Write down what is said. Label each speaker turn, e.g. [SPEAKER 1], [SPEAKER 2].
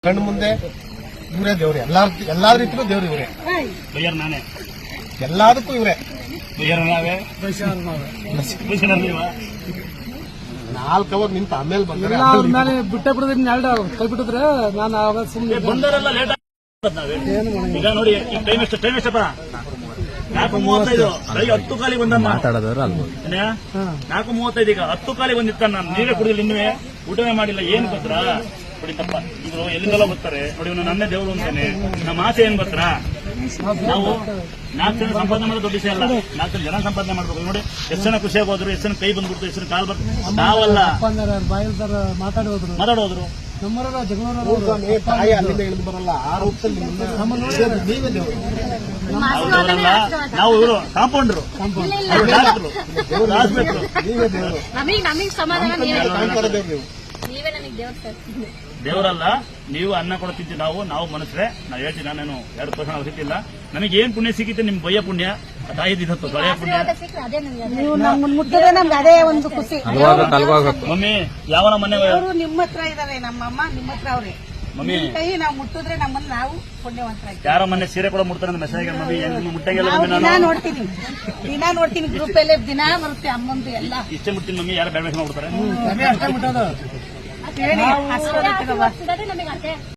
[SPEAKER 1] ಕಣ್ಣು ಮುಂದೆ ಇವರೇ ದೇವ್ರೆ, ಎಲ್ಲಾ ರೀತಿಲೂ ದೇವ್ರು ಇವರೇ.
[SPEAKER 2] ಬಯ್ಯರ್ ನಾನೇ,
[SPEAKER 1] ಎಲ್ಲದಕ್ಕೂ ಇವರೇ.
[SPEAKER 2] ಬಯ್ಯರ್ ನಾವೇ,
[SPEAKER 1] 4 ಅವರ್ ನಿಂತ ಆಮೇಲೆ ಬಂದ್ರೆ
[SPEAKER 3] ಅವ್ರ ಮೇಲೆ ಬಿಟ್ಟೆ ಬಿಡೋದ್ರೆ 2 ಕೈ ಬಿಟ್ಟಿದ್ರೆ ನಾನು ಆವಾಗ ಸುಮ್ಮನೆ
[SPEAKER 2] ಬಂದರೆಲ್ಲ ಲೇಟ್ ಈಗ ನೋಡಿ. ಟೈಮ್ ಎಷ್ಟಪ್ಪ? 4:35. ಬೆಳಿಗ್ಗೆ 10 ಕಾಲಿಗೆ ಬಂದಮ್ಮ ಮಾತಾಡೋದ್ರ 4:35. ಈಗ 10 ಕಾಲಿಗೆ ಬಂದಿತ್ತ. ನಾನು ನೀರೇ ಕುಡಿದಿಲ್ಲ, ಇನ್ನುವೇ ಊಟವೇ ಮಾಡಿಲ್ಲ. ಏನ್ ಗೊತ್ತಾ ಕುಡಿತಪ್ಪ ಇದ್ರು ಎಲ್ಲಿಂದೆಲ್ಲ ಬರ್ತಾರೆ ನೋಡಿ. ಇವನು ನನ್ನೇ ದೇವರು ಅಂತಾನೆ. ನಮ್ಮ ಆಸೆ ಏನ್ ಗೊತ್ತಾ, ನಾವು 4 ಜನ ಸಂಪಾದನೆ ಮಾಡೋದು ದೊಡ್ಡ ವಿಷಯ ಅಲ್ಲ. 4 ಜನ ಸಂಪಾದನೆ ಮಾಡ್ಬೇಕು ನೋಡಿ. ಎಷ್ಟು ಜನ ಖುಷಿಯಾಗಿ ಹೋದ್ರು, ಎಷ್ಟು ಜನ ಕೈ ಬಂದ್ಬಿಡ್ತು, ಎಷ್ಟು ಜನ ಕಾಲ್ ಬರ್ತು. ನಾವಲ್ಲ ಮಾತಾಡೋದ್ರು
[SPEAKER 3] ನಮ್ಮರ
[SPEAKER 1] ತಾಯಿ ಅಲ್ಲಿಂದ ಇಳಿದು ಬರಲ್ಲ. ಆ ರೂಪದಲ್ಲಿ ನೀವೇ ದೇವರು.
[SPEAKER 2] ನಾವು ಇವರು ಕಾಂಪೌಂಡರು,
[SPEAKER 1] ನೀವೇ ದೇವರು.
[SPEAKER 2] ದೇವರಲ್ಲ, ನೀವು ಅನ್ನ ಕೊಡ್ತಿದ್ವಿ. ನಾವು ಮನಸ್ಸರೆ ನಾವು ಹೇಳ್ತೀವಿ. ನಾನೇನು 2 ವರ್ಷ ನಾವು ಸಿಕ್ಕಿಲ್ಲ. ನಮಗೆ ಏನ್ ಪುಣ್ಯ ಸಿಕ್ಕಿತ್ತು? ನಿಮ್ ಬಯ್ಯ ಪುಣ್ಯ, ತಾಯಿದಿತ್ತು ತೊಳೆಯ ಪುಣ್ಯ.
[SPEAKER 4] ಅದೇ ಒಂದು ಖುಷಿ.
[SPEAKER 2] ಮಮ್ಮಿ ಯಾವನ ಮನೆ
[SPEAKER 4] ನಿಮ್ಮ ಹತ್ರ ಇದಾರೆ, ನಮ್ಮಮ್ಮ ನಿಮ್ಮ ಹತ್ರ ಅವ್ರೆ.
[SPEAKER 2] ಮಮ್ಮಿ
[SPEAKER 4] ಕೈ ನಾವು ಮುಟ್ಟಿದ್ರೆ ನಮ್ಮನ್ನ ನಾವು ಪುಣ್ಯವಂತರಾಗಿ.
[SPEAKER 2] ಯಾರ ಮನೆ ಸೀರೆ ಕೂಡ ಮುಟ್ತಾರೆ ಮೆಸೇಜ್ ಮಮ್ಮಿ ಮುಟ್ಟಂಗಿಲ್ಲ.
[SPEAKER 4] ದಿನ ನೋಡ್ತೀನಿ ಗ್ರೂಪ್ ಅಲ್ಲಿ ದಿನ ಬರುತ್ತೆ ಅಮ್ಮಂದು ಎಲ್ಲ.
[SPEAKER 2] ಇಷ್ಟೇ ಮುಟ್ತೀನಿ ಮಮ್ಮಿ. ಯಾರು ಬೇಡ ಮಾಡ್ತಾರೆ.
[SPEAKER 3] ಅಷ್ಟೇ ಮುಟ್ಟೋದು.
[SPEAKER 4] ಹೇಳಿ